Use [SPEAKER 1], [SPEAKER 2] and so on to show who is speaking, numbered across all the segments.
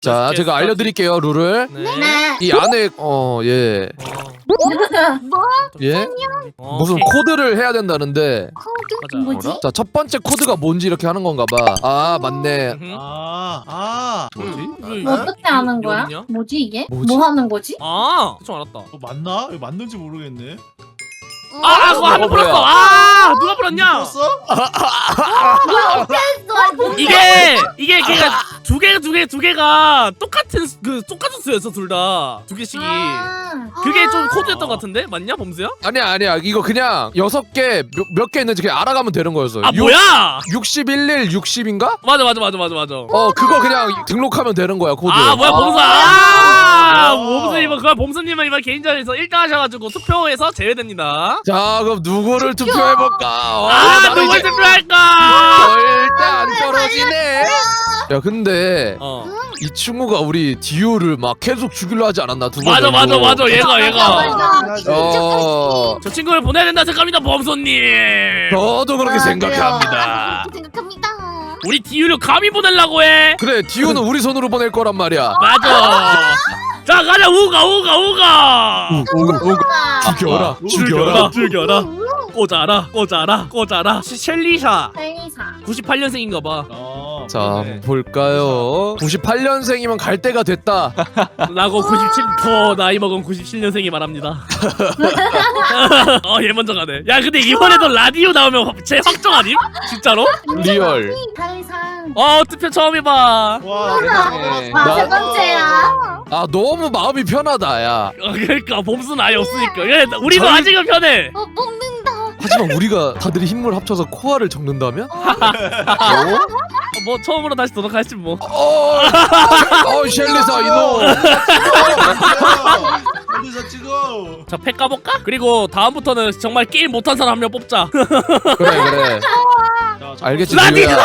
[SPEAKER 1] 자, 제가 알려드릴게요 룰을.
[SPEAKER 2] 네.
[SPEAKER 1] 이 안에 예.
[SPEAKER 2] 뭐?
[SPEAKER 1] 예? 무슨
[SPEAKER 3] 오케이.
[SPEAKER 1] 코드를 해야 된다는데.
[SPEAKER 2] 코드?
[SPEAKER 3] 맞아.
[SPEAKER 2] 뭐지?
[SPEAKER 1] 자, 첫 번째 코드가 뭔지 이렇게 하는 건가 봐. 아, 맞네.
[SPEAKER 3] 뭐지?
[SPEAKER 2] 뭐 어떻게 하는 거야?
[SPEAKER 3] 어디냐?
[SPEAKER 2] 뭐지 이게?
[SPEAKER 1] 뭐지?
[SPEAKER 2] 뭐 하는 거지?
[SPEAKER 3] 아, 대충 알았다.
[SPEAKER 4] 맞나? 이거 맞는지 모르겠네.
[SPEAKER 3] 그거 한번
[SPEAKER 1] 뭐야?
[SPEAKER 3] 풀었어. 누가 풀었냐?
[SPEAKER 4] 풀었어?
[SPEAKER 3] 이게 걔가 두 개가 똑같은 수였어 둘 다. 두 개씩이. 그게 좀 코드였던 것 같은데? 맞냐, 범수야?
[SPEAKER 1] 아니야. 이거 그냥 6개 몇 개 있는지 그냥 알아가면 되는 거였어.
[SPEAKER 3] 뭐야?
[SPEAKER 1] 61일 60인가?
[SPEAKER 3] 맞아.
[SPEAKER 1] 그거 그냥 등록하면 되는 거야, 코드.
[SPEAKER 3] 뭐야, 범수. 범수님은 이번 개인전에서 1등 하셔가지고 투표에서 제외됩니다.
[SPEAKER 1] 자, 그럼 누구를 투표해볼까?
[SPEAKER 3] 누굴
[SPEAKER 1] 이제
[SPEAKER 3] 투표할까?
[SPEAKER 1] 절대 안 떨어지네. 야, 근데 이 친구가 우리 디오를 막 계속 죽이려 하지 않았나? 두 번.
[SPEAKER 3] 맞아. 얘가.
[SPEAKER 2] 맞아.
[SPEAKER 3] 저 친구를 보내야 된다 생각합니다, 범수님.
[SPEAKER 1] 저도 그렇게 생각합니다.
[SPEAKER 2] 생각합니다.
[SPEAKER 3] 우리 디유를 감히 보내려고 해.
[SPEAKER 1] 그래, 디오는 우리 손으로 보낼 거란 말이야.
[SPEAKER 3] 맞아. 자, 가자. 우가. 죽여라. 꽂아라. 셸리샤.
[SPEAKER 2] 헬리사.
[SPEAKER 3] 98년생인가 봐.
[SPEAKER 1] 자, 한번 볼까요? 98년생이면 갈 때가 됐다.
[SPEAKER 3] 나고 97, 더 나이 먹은 97년생이 말합니다. 얘 먼저 가네. 야, 근데 이번에도 라디오 나오면 제 확정 아님? 진짜로?
[SPEAKER 1] 리얼.
[SPEAKER 2] 헬리사.
[SPEAKER 3] 투표 처음 해봐.
[SPEAKER 4] 와,
[SPEAKER 1] 세상에.
[SPEAKER 2] 세 번째야.
[SPEAKER 1] 아, 너무 마음이 편하다, 야.
[SPEAKER 3] 그러니까 범수는 아예 없으니까. 야, 우리도
[SPEAKER 1] 저희-
[SPEAKER 3] 아직은 편해.
[SPEAKER 2] 먹는다.
[SPEAKER 1] 하지만 우리가 다들 힘을 합쳐서 코어를 적는다면?
[SPEAKER 3] 뭐 처음으로 다시 도전할지 뭐.
[SPEAKER 1] 셸리사 이놈.
[SPEAKER 4] 어디서 찍어?
[SPEAKER 3] 자, 팩 까볼까? 그리고 다음부터는 정말 게임 못한 사람 한 명 뽑자.
[SPEAKER 1] 그래. 알겠지,
[SPEAKER 3] 라디!
[SPEAKER 1] 디오야.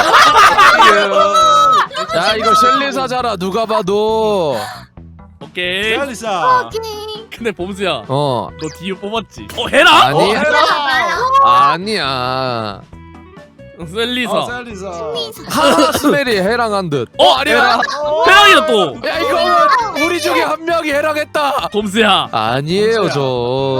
[SPEAKER 1] 야, 이거 셸리사잖아, 누가 봐도.
[SPEAKER 3] 오케이.
[SPEAKER 4] 셀리사.
[SPEAKER 3] 근데 범수야,
[SPEAKER 1] 어,
[SPEAKER 3] 너 디유 뽑았지? 해라?
[SPEAKER 1] 아니,
[SPEAKER 2] 해라.
[SPEAKER 1] 아니야.
[SPEAKER 3] 셀리사.
[SPEAKER 4] 셀리사.
[SPEAKER 1] 하스멜이 해랑한 듯.
[SPEAKER 3] 아니야. 해랑이다 또.
[SPEAKER 1] 야, 이거 우리 중에 한 명이 해랑했다.
[SPEAKER 3] 범수야.
[SPEAKER 1] 아니에요, 저.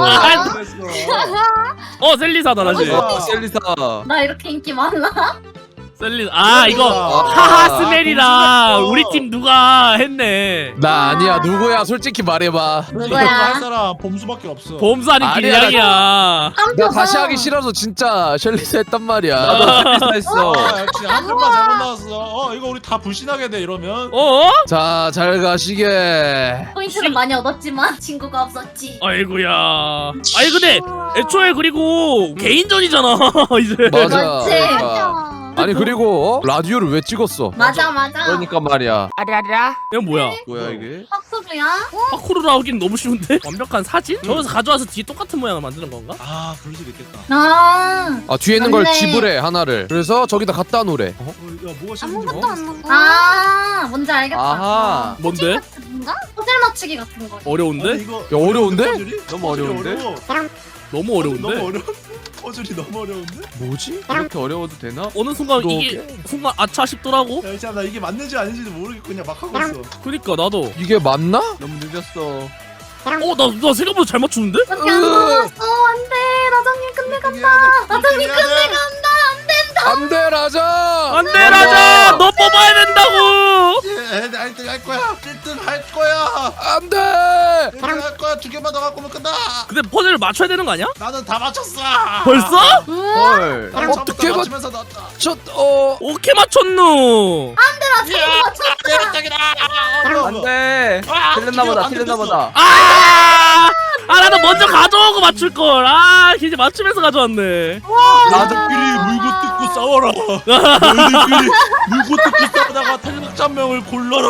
[SPEAKER 3] 셀리사다 다시.
[SPEAKER 1] 셀리사.
[SPEAKER 2] 나 이렇게 인기 많나?
[SPEAKER 3] 셀리사. 이거
[SPEAKER 4] 셀리사.
[SPEAKER 3] 하하스멜이랑 우리 팀 누가 했네.
[SPEAKER 1] 나 아니야. 누구야? 솔직히 말해봐.
[SPEAKER 4] 이거 할
[SPEAKER 2] 누구야?
[SPEAKER 4] 사람 범수밖에 없어.
[SPEAKER 3] 범수 아닌
[SPEAKER 1] 아니야,
[SPEAKER 3] 길냥이야.
[SPEAKER 1] 나 다시 하기 싫어서 진짜 셸리사 했단 말이야.
[SPEAKER 5] 했어.
[SPEAKER 4] 역시 한 명만 잘못 나왔어. 이거 우리 다 불신하게 돼 이러면.
[SPEAKER 1] 자, 잘 가시게.
[SPEAKER 2] 포인트는 많이 얻었지만 친구가 없었지.
[SPEAKER 3] 아이고야. 아니 근데 애초에 그리고 개인전이잖아 이제.
[SPEAKER 1] 맞아.
[SPEAKER 2] 그렇지.
[SPEAKER 1] 그러니까. 아니, 그리고 라디오를 왜 찍었어?
[SPEAKER 2] 맞아.
[SPEAKER 1] 그러니까 말이야.
[SPEAKER 3] 이건 뭐야?
[SPEAKER 1] 뭐야 이게?
[SPEAKER 2] 학습이야?
[SPEAKER 3] 파쿠르로 하긴 너무 쉬운데? 완벽한 사진? 저기서 가져와서 뒤에 똑같은 모양을 만드는 건가?
[SPEAKER 4] 그럴 수도 있겠다.
[SPEAKER 1] 아, 뒤에 있는 걸
[SPEAKER 2] 맞네.
[SPEAKER 1] 지불해 하나를. 그래서 저기다 갖다 놓으래.
[SPEAKER 4] 야, 뭐가 싫은지
[SPEAKER 2] 뭔지 알겠다.
[SPEAKER 5] 아하.
[SPEAKER 3] 뭔데?
[SPEAKER 2] 뭔가? 호텔 맞추기 같은 거.
[SPEAKER 3] 어려운데?
[SPEAKER 4] 이거
[SPEAKER 1] 야, 어려운데?
[SPEAKER 4] 퍼즐이?
[SPEAKER 5] 너무 어려운데?
[SPEAKER 4] 어려워.
[SPEAKER 3] 너무 어려운데?
[SPEAKER 4] 너무 어려워. 퍼즐이 너무 어려운데?
[SPEAKER 1] 뭐지?
[SPEAKER 5] 이렇게 어려워도 되나?
[SPEAKER 3] 어느 순간
[SPEAKER 1] 너
[SPEAKER 3] 이게 순간 아차 싶더라고.
[SPEAKER 4] 야, 참, 나 이게 맞는지 아닌지도 모르겠고 그냥 막 하고 있어.
[SPEAKER 3] 그니까 나도.
[SPEAKER 1] 이게 맞나?
[SPEAKER 5] 너무 늦었어.
[SPEAKER 3] 나 생각보다 잘 맞추는데?
[SPEAKER 2] 밖에 안 남았어. 안 돼. 라장님 끝내간다. 라장님 끝내간다.
[SPEAKER 1] 안 돼, 라자.
[SPEAKER 3] 안돼 라자, 너 뽑아야 된다고.
[SPEAKER 4] 1등 할 거야. 1등 할 거야.
[SPEAKER 1] 안 돼.
[SPEAKER 4] 1등 할 거야. 2개만 더 갖고 오면 끝나.
[SPEAKER 3] 근데 퍼즐을 맞춰야 되는 거 아니야?
[SPEAKER 4] 나는 다 맞췄어.
[SPEAKER 3] 벌써?
[SPEAKER 5] 헐.
[SPEAKER 4] 나는
[SPEAKER 1] 어떻게
[SPEAKER 4] 처음부터
[SPEAKER 1] 맞-
[SPEAKER 4] 맞추면서 넣었다.
[SPEAKER 3] 오케이 맞췄노.
[SPEAKER 2] 라장님 맞췄다.
[SPEAKER 5] 안돼. 틀렸나 보다.
[SPEAKER 3] 나도 먼저 가져오고 맞출 걸. 이제 맞추면서 가져왔네.
[SPEAKER 4] 나들끼리 물고 뜯고 싸워라. 너희들끼리 물고 뜯고 싸우다가 탈북자명을 골라라.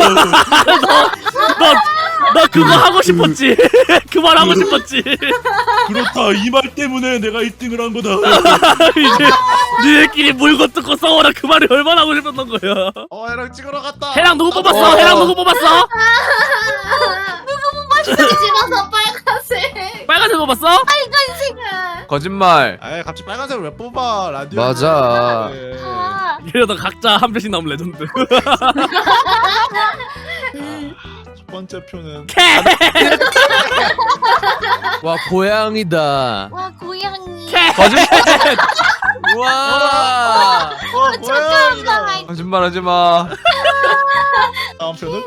[SPEAKER 3] 나 그거 하고 싶었지. 그 말 하고 싶었지.
[SPEAKER 4] 그렇다. 이 말 때문에 내가 1등을 한 거다.
[SPEAKER 3] 이제 니네끼리 물고 뜯고 싸워라. 그 말이 얼마나 하고 싶었던 거야.
[SPEAKER 4] 해랑 찍으러 갔다.
[SPEAKER 3] 해랑 누구 뽑았어? 해랑 누구 뽑았어?
[SPEAKER 2] 집어서 빨간색.
[SPEAKER 3] 빨간색 뽑았어?
[SPEAKER 2] 빨간색.
[SPEAKER 5] 거짓말.
[SPEAKER 4] 갑자기 빨간색을 왜 뽑아? 라디오.
[SPEAKER 1] 맞아.
[SPEAKER 4] 네.
[SPEAKER 3] 이러다 각자 한 표씩 나오면 레전드.
[SPEAKER 4] 첫 번째 표는
[SPEAKER 1] 와 고양이다.
[SPEAKER 2] 와 고양이.
[SPEAKER 1] 와.
[SPEAKER 4] 고양이다.
[SPEAKER 5] 거짓말하지 마.
[SPEAKER 4] 다음 표는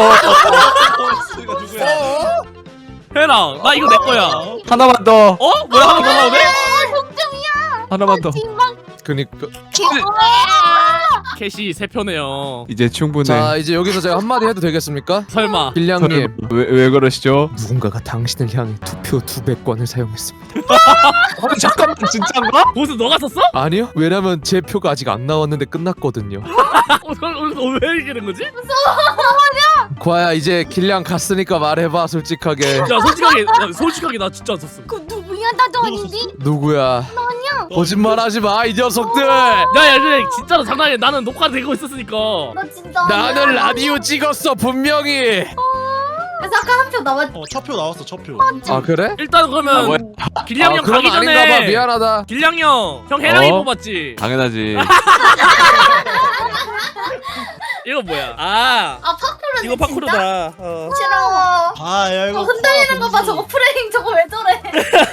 [SPEAKER 4] 스가 누구야?
[SPEAKER 3] 해랑 나 이거 내 거야.
[SPEAKER 5] 하나만 더.
[SPEAKER 3] 어? 뭐야 하나 더 나오네?
[SPEAKER 5] 하나만 더.
[SPEAKER 1] 그니까.
[SPEAKER 3] 캐시 3표네요.
[SPEAKER 5] 이제 충분해.
[SPEAKER 1] 자 이제 여기서 제가 한마디 해도 되겠습니까?
[SPEAKER 3] 설마.
[SPEAKER 1] 길냥님.
[SPEAKER 5] 왜 그러시죠?
[SPEAKER 1] 누군가가 당신을 향해 투표 200권을 사용했습니다.
[SPEAKER 5] 아니 잠깐만 진짜인가?
[SPEAKER 3] 보스 너가 썼어?
[SPEAKER 1] 아니요. 왜냐면 제 표가 아직 안 나왔는데 끝났거든요.
[SPEAKER 3] 왜 이렇게 된 거지?
[SPEAKER 1] 과야 이제 길냥 갔으니까 말해봐 솔직하게.
[SPEAKER 3] 야 솔직하게 나 진짜 안 썼어.
[SPEAKER 2] 그 누구야? 나도 아닌데.
[SPEAKER 1] 누구야? 거짓말하지 마 이 녀석들.
[SPEAKER 3] 야야 그래 진짜로 장난이야. 나는 녹화되고 있었으니까.
[SPEAKER 2] 나 진짜.
[SPEAKER 1] 나는 라디오 찍었어 분명히.
[SPEAKER 2] 그래서 아까 한 표 나왔.
[SPEAKER 4] 첫 표 나왔어 첫 표.
[SPEAKER 1] 아 그래?
[SPEAKER 3] 일단 그러면 길냥 형
[SPEAKER 1] 그럼
[SPEAKER 3] 가기
[SPEAKER 1] 아닌가봐.
[SPEAKER 3] 전에
[SPEAKER 1] 미안하다.
[SPEAKER 3] 길냥 형 해랑이
[SPEAKER 5] 어?
[SPEAKER 3] 뽑았지.
[SPEAKER 5] 당연하지.
[SPEAKER 3] 이거 뭐야? 아
[SPEAKER 2] 파쿠르.
[SPEAKER 3] 이거 파쿠르다.
[SPEAKER 2] 싫어.
[SPEAKER 4] 아야 이거
[SPEAKER 2] 흔들리는 거 봐. 저거 프레임 저거 왜 저래?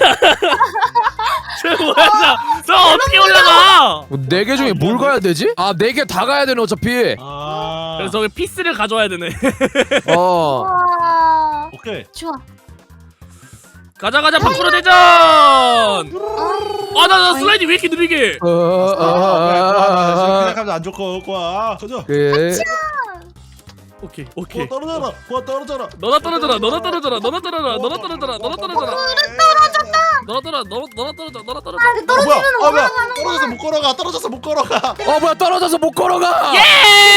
[SPEAKER 3] 저 뭐야 저 어떻게 올라가?
[SPEAKER 1] 4개 중에 뭘 가야 되지? 아 4개 다 가야 되네 어차피.
[SPEAKER 3] 그래서 저기 피스를 가져와야 되네.
[SPEAKER 1] 어.
[SPEAKER 2] 와.
[SPEAKER 4] 오케이.
[SPEAKER 2] 좋아.
[SPEAKER 3] 가자 파쿠르 대전. 아나 슬라이드 왜 이렇게 느리게?
[SPEAKER 4] 생각하면 안 좋고 거야. 가자.
[SPEAKER 1] 그
[SPEAKER 3] 오케이
[SPEAKER 4] 고아 떨어져라. 고아 떨어져라.
[SPEAKER 3] 너나 떨어져라 너나 떨어져라 너나 떨어져라 너나 떨어져라 너나 떨어져라 너나 떨어져 너나 떨어져.
[SPEAKER 2] 아, 떨어지면
[SPEAKER 4] 뭐야?
[SPEAKER 2] 올라가는
[SPEAKER 4] 떨어져서 못 걸어가. 떨어져서 못 걸어가.
[SPEAKER 1] 뭐야 떨어져서 못 걸어가.
[SPEAKER 3] 예!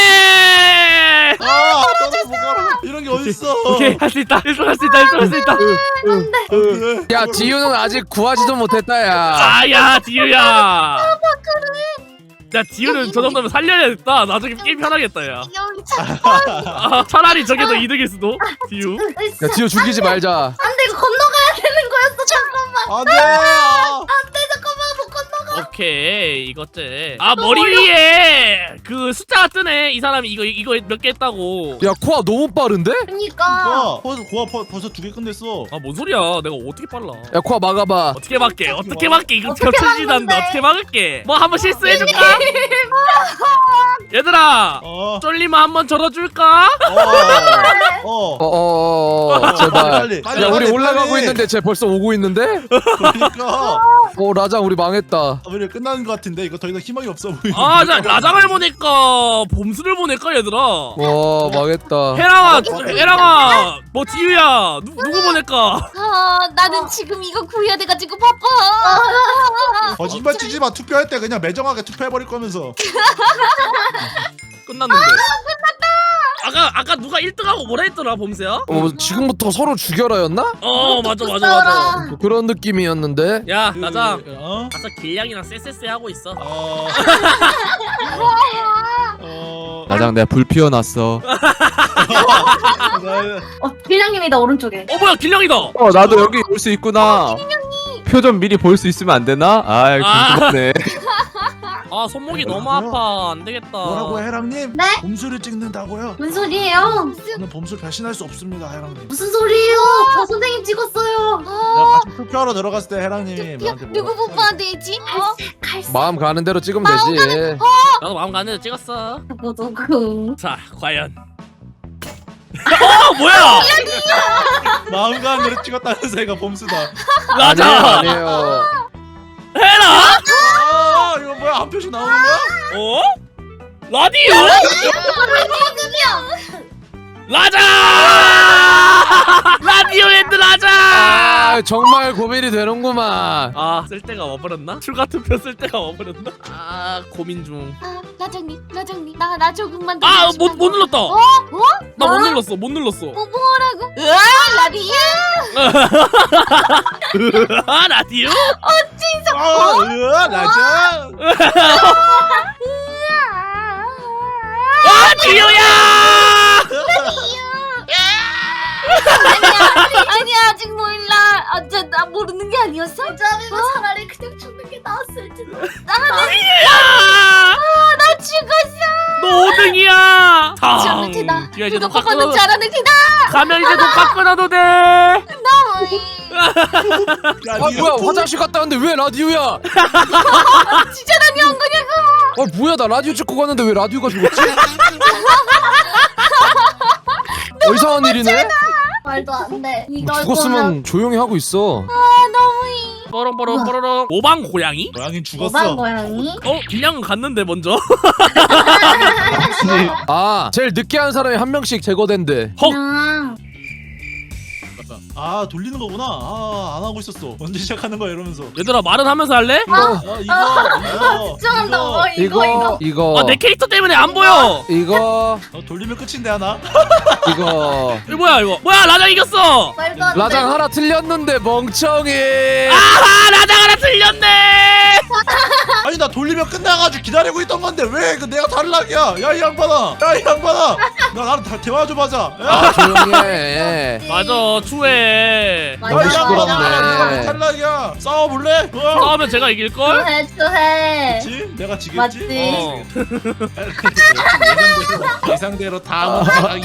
[SPEAKER 4] 떨어져서 못 걸어가. 이런 게 어딨어?
[SPEAKER 3] 오케이 할 수 있다. 1등 할 수 있다. 1등 할 수 있다.
[SPEAKER 1] 야 지우는 아직 구하지도 못했다 야.
[SPEAKER 3] 아야 디유야. 야 디유는 저 정도면 살려야겠다. 나중에 게임 편하겠다 야. 아, 차라리 저게 더 이득일 수도. 디유.
[SPEAKER 1] 야 지우 죽이지 말자.
[SPEAKER 2] 안돼 이거 건너가야 되는 거였어. 잠깐만.
[SPEAKER 4] 안돼.
[SPEAKER 2] 안돼 잠깐만 못 건너가.
[SPEAKER 3] 오케이 이것째. 아 머리 위에 그 숫자가 뜨네. 이 사람이 이거 몇 개 했다고.
[SPEAKER 1] 야 코아 너무 빠른데?
[SPEAKER 2] 그러니까.
[SPEAKER 4] 고아 벌써 2개 끝냈어.
[SPEAKER 3] 아 뭔 소리야? 내가 어떻게 빨라?
[SPEAKER 1] 야 코아 막아봐.
[SPEAKER 3] 어떻게 막게? 어떻게 막게? 이거
[SPEAKER 2] 어떻게
[SPEAKER 3] 겹쳐지지도 않는데
[SPEAKER 2] 막는데?
[SPEAKER 3] 어떻게 막을게? 뭐 한번 실수해줄까? 얘들아 쫄리면 한번 절어줄까?
[SPEAKER 1] 제발.
[SPEAKER 4] 빨리,
[SPEAKER 1] 야 우리
[SPEAKER 4] 빨리,
[SPEAKER 1] 올라가고
[SPEAKER 4] 빨리.
[SPEAKER 1] 있는데 쟤 벌써 오고 있는데?
[SPEAKER 4] 그러니까
[SPEAKER 1] 라장 우리 망했다.
[SPEAKER 4] 우리 끝나는 것 같은데 이거 더 이상 희망이 없어 보이네.
[SPEAKER 3] 아, 자 라장을 보낼까? 봄수를 보낼까 얘들아?
[SPEAKER 1] 와 망했다.
[SPEAKER 3] 해랑아, 뭐 디유야, 누구 보낼까?
[SPEAKER 2] 아 나는 지금 이거 구해야 돼가지고 바빠.
[SPEAKER 4] 거짓말 치지 마. 투표할 때 그냥 매정하게 투표해버릴 거면서.
[SPEAKER 3] 끝났는데. 아까 누가 1등하고 뭐라 했더라 봄새야?
[SPEAKER 1] 지금부터 서로 죽여라였나?
[SPEAKER 3] 맞아.
[SPEAKER 1] 그런 느낌이었는데.
[SPEAKER 3] 야 라장,
[SPEAKER 4] 어?
[SPEAKER 3] 가서 길냥이랑 쎄쎄쎄 하고 있어.
[SPEAKER 5] 나장 내가 불 피워놨어.
[SPEAKER 2] 빌량님이다 오른쪽에.
[SPEAKER 3] 뭐야 길냥이다.
[SPEAKER 5] 나도 여기 올 수 있구나. 표 좀 미리 볼 수 있으면 안 되나? 궁금하네.
[SPEAKER 3] 아 손목이 너무 아파. 안 되겠다.
[SPEAKER 4] 뭐라고요, 해랑님?
[SPEAKER 2] 네?
[SPEAKER 4] 봄수를 찍는다고요?
[SPEAKER 2] 무슨 소리예요?
[SPEAKER 4] 저는 봄수 배신할 수 없습니다, 해랑님.
[SPEAKER 2] 무슨 소리예요? 저 선생님 찍었어요.
[SPEAKER 4] 내가 같이 투표하러 들어갔을 때 해랑님이 나한테
[SPEAKER 2] 누구
[SPEAKER 4] 뭐라
[SPEAKER 2] 뽑아야 되지? 갈색.
[SPEAKER 1] 마음 가는 대로 찍으면 되지.
[SPEAKER 3] 나도 마음 가는 대로 찍었어.
[SPEAKER 2] 누구?
[SPEAKER 3] 자 과연. 뭐야?
[SPEAKER 4] 마음 가는 대로 찍었다면서 얘가 봄수다.
[SPEAKER 3] 라장.
[SPEAKER 1] 아니에요.
[SPEAKER 3] 해라.
[SPEAKER 4] 이거 뭐야, 한 표씩 나오는 거야?
[SPEAKER 3] 어? 라디오? 라자! 라디오 핸드 라자!
[SPEAKER 1] 정말 고민이 되는구만.
[SPEAKER 3] 쓸 데가 와버렸나? 출가 투표 쓸 데가 와버렸나? 고민 중.
[SPEAKER 2] 라장님 나 조금만 더.
[SPEAKER 3] 못 눌렀다. 나 못 눌렀어.
[SPEAKER 2] 뭐라고? 라디오?
[SPEAKER 3] 라디오?
[SPEAKER 4] 라자!
[SPEAKER 3] 디오야!
[SPEAKER 2] 아니야 아직 몰라. 나 모르는 게 아니었어? 어차피 차라리 그냥 죽는 게 나았을지도.
[SPEAKER 3] 디오야!
[SPEAKER 2] 나 지금
[SPEAKER 3] 뒤에 이제
[SPEAKER 2] 누가
[SPEAKER 3] 녹화
[SPEAKER 2] 보는
[SPEAKER 3] 끊어도
[SPEAKER 2] 줄 알았는 기다.
[SPEAKER 3] 가면 이제 녹화 끊어도 돼.
[SPEAKER 1] 아 뭐야 화장실 갔다 왔는데 왜 라디오야?
[SPEAKER 2] 진짜 라디오 한 거냐고.
[SPEAKER 1] 아 뭐야 나 라디오 찍고 갔는데 왜 라디오가 죽었지? 이상한 일이네?
[SPEAKER 2] 말도 안 돼. 이거
[SPEAKER 1] 죽었으면 조용히 하고 있어.
[SPEAKER 2] 너무이.
[SPEAKER 3] 뽀롱뽀롱 뽀로롱. 오방 고양이?
[SPEAKER 4] 고양이
[SPEAKER 2] 오반
[SPEAKER 4] 죽었어.
[SPEAKER 2] 고양이.
[SPEAKER 3] 그냥 갔는데 먼저.
[SPEAKER 1] 아 제일 늦게 한 사람이 한 명씩 제거된대.
[SPEAKER 3] 헉.
[SPEAKER 4] 아 돌리는 거구나. 아 안 하고 있었어. 언제 시작하는 거야 이러면서.
[SPEAKER 3] 얘들아 말은 하면서 할래?
[SPEAKER 4] 이거 이거
[SPEAKER 2] 집중한다. 이거.
[SPEAKER 3] 아 내 캐릭터 때문에 안 보여.
[SPEAKER 1] 이거
[SPEAKER 4] 돌리면 끝인데 하나.
[SPEAKER 1] 이거
[SPEAKER 3] 이거 뭐야 이거? 뭐야 라장 이겼어.
[SPEAKER 2] 말도 안 돼.
[SPEAKER 1] 라장 하나 틀렸는데 멍청이.
[SPEAKER 3] 아하 라장 하나 틀렸네.
[SPEAKER 4] 아니 나 돌리면 끝나가지고 기다리고 있던 건데 왜 그 내가 탈락이야? 야 이 양반아. 야 이 양반아. 나 나랑 대화 좀 하자. 야.
[SPEAKER 1] 아 조용히 해.
[SPEAKER 3] 맞아 추해.
[SPEAKER 2] 맞아,
[SPEAKER 1] 너무
[SPEAKER 2] 맞아.
[SPEAKER 1] 시끄럽네.
[SPEAKER 4] 내가 왜 탈락이야? 싸워볼래?
[SPEAKER 3] 싸우면 제가 이길걸?
[SPEAKER 2] 추해.
[SPEAKER 4] 그렇지? 내가 지겠지?
[SPEAKER 2] 맞지.
[SPEAKER 3] 어.
[SPEAKER 4] 예상대로 다음은 탈락이.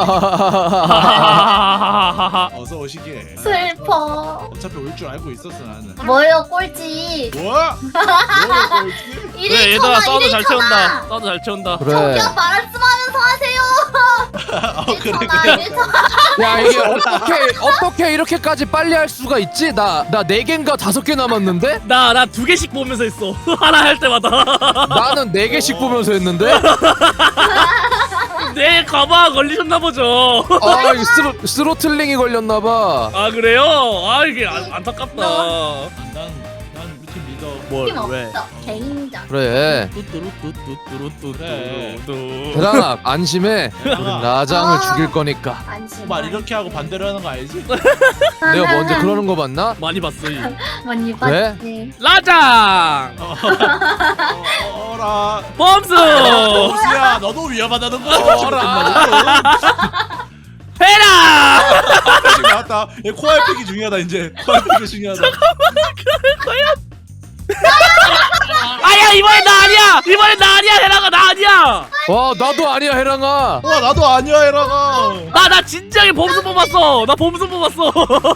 [SPEAKER 4] 어서 오시게.
[SPEAKER 2] 슬퍼.
[SPEAKER 4] 어차피 올 줄 알고 있었어 나는.
[SPEAKER 2] 뭐요 꼴찌.
[SPEAKER 4] 뭐야? 뭐야 꼴찌?
[SPEAKER 3] 그래 얘들아 싸워도 잘 채운다. 싸워도 잘 채운다.
[SPEAKER 1] 그래.
[SPEAKER 2] 저기요 말씀하면서 하세요.
[SPEAKER 4] 그래
[SPEAKER 1] 야 이게 어떻게 이렇게까지 빨리 할 수가 있지? 나 4개인가 5개 남았는데?
[SPEAKER 3] 나 2개씩 보면서 했어. 하나 할 때마다.
[SPEAKER 1] 나는 4개씩 보면서 했는데?
[SPEAKER 3] 내 가방 걸리셨나 보죠.
[SPEAKER 1] 아 이게 스로틀링이 걸렸나봐.
[SPEAKER 3] 아 그래요? 아 이게 안타깝다.
[SPEAKER 4] 난 우리 팀 리더.
[SPEAKER 3] 뭘
[SPEAKER 2] 힘
[SPEAKER 3] 왜?
[SPEAKER 2] 없어. 개인전.
[SPEAKER 1] 그래
[SPEAKER 3] 뚜뚜루뚜뚜뚜뚜뚜뚜.
[SPEAKER 1] 대란아 안심해. 우린 라장을
[SPEAKER 2] 아.
[SPEAKER 1] 죽일 거니까.
[SPEAKER 2] 안심.
[SPEAKER 4] 말 이렇게 하고 반대로 하는 거 알지?
[SPEAKER 1] 내가 먼저 그러는 거 봤나?
[SPEAKER 3] 많이 봤어. 이.
[SPEAKER 2] 많이
[SPEAKER 1] 그래?
[SPEAKER 2] 봤지.
[SPEAKER 3] 라장
[SPEAKER 4] 어라.
[SPEAKER 3] 범수
[SPEAKER 4] 보스야 너도 위험하다는 거.
[SPEAKER 1] 어라.
[SPEAKER 3] 해라.
[SPEAKER 4] 나왔다. 얘 코알 팩이 중요하다 이제. 코알 팩이 중요하다.
[SPEAKER 3] 아야 이번엔 나 아니야. 이번엔 나 아니야. 해라가 나 아니야.
[SPEAKER 1] 와 나도 아니야 해랑아.
[SPEAKER 4] 와 나도 아니야 해라가.
[SPEAKER 3] 나 진지하게 범수 뽑았어. 나 범수 뽑았어.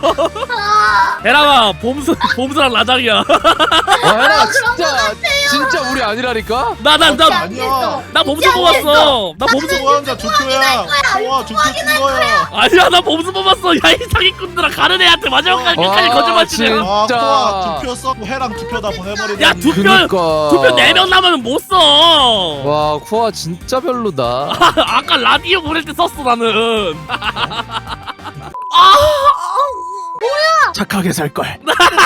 [SPEAKER 3] 해라가 범수랑 라장이야.
[SPEAKER 1] 와 해랑아 진짜 우리 아니라니까?
[SPEAKER 3] 나
[SPEAKER 4] 아니야.
[SPEAKER 3] 범수 뽑았어. 나 범수
[SPEAKER 4] 소환자 투표야. 와 투표 준 거야.
[SPEAKER 3] 아니야 나 범수 뽑았어. 야 이 사기꾼들아 가는 애한테 마지막까지 끝까지
[SPEAKER 1] 와,
[SPEAKER 3] 거짓말 치네.
[SPEAKER 1] 진짜.
[SPEAKER 4] 아 코아 투표 써고 해랑 투표 다 보내버리네.
[SPEAKER 3] 야 투표
[SPEAKER 1] 그니까.
[SPEAKER 3] 4명 남으면 못 써.
[SPEAKER 1] 와 쿠아 진짜 별로다.
[SPEAKER 3] 아까 라디오 보낼 때 썼어 나는.
[SPEAKER 1] 착하게 살걸.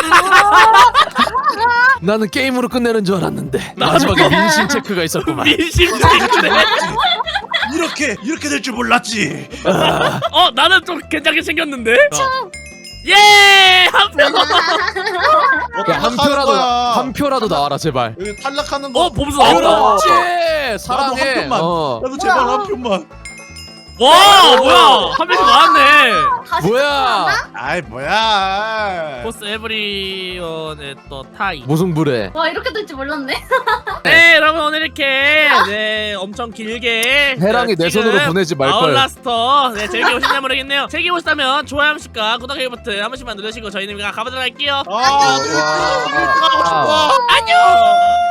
[SPEAKER 1] 나는 게임으로 끝내는 줄 알았는데 마지막에 민심 체크가 있었구만.
[SPEAKER 3] 민심 체크네.
[SPEAKER 4] 이렇게 될 줄 몰랐지.
[SPEAKER 3] 나는 좀 괜찮게 생겼는데. 예! 한 표.
[SPEAKER 1] 야, 한 표라도 나와라 제발.
[SPEAKER 4] 여기 탈락하는 거.
[SPEAKER 3] 범수 나왔다.
[SPEAKER 1] 그렇지.
[SPEAKER 4] 나도
[SPEAKER 1] 사랑해.
[SPEAKER 4] 한 표만.
[SPEAKER 1] 어.
[SPEAKER 4] 나도 제발 한 표만.
[SPEAKER 3] 와 뭐야 한 명씩 나왔네.
[SPEAKER 1] 뭐야?
[SPEAKER 4] 아이 뭐야.
[SPEAKER 3] 포스 에브리원의 또 타이.
[SPEAKER 1] 무승부래.
[SPEAKER 2] 와 이렇게 될 줄 몰랐네.
[SPEAKER 3] 네 여러분 오늘 이렇게 엄청 길게
[SPEAKER 1] 해랑이 내
[SPEAKER 3] 지금
[SPEAKER 1] 손으로 보내지 말걸.
[SPEAKER 3] 아울라스터 즐겨 오셨나 모르겠네요. 즐겨 오셨다면 좋아요 한 번씩과 구독하기 버튼 한 번씩만 누르시고 저희는 가보도록 할게요.
[SPEAKER 4] 아,
[SPEAKER 1] 와.
[SPEAKER 4] 가고 싶어.
[SPEAKER 3] 안녕.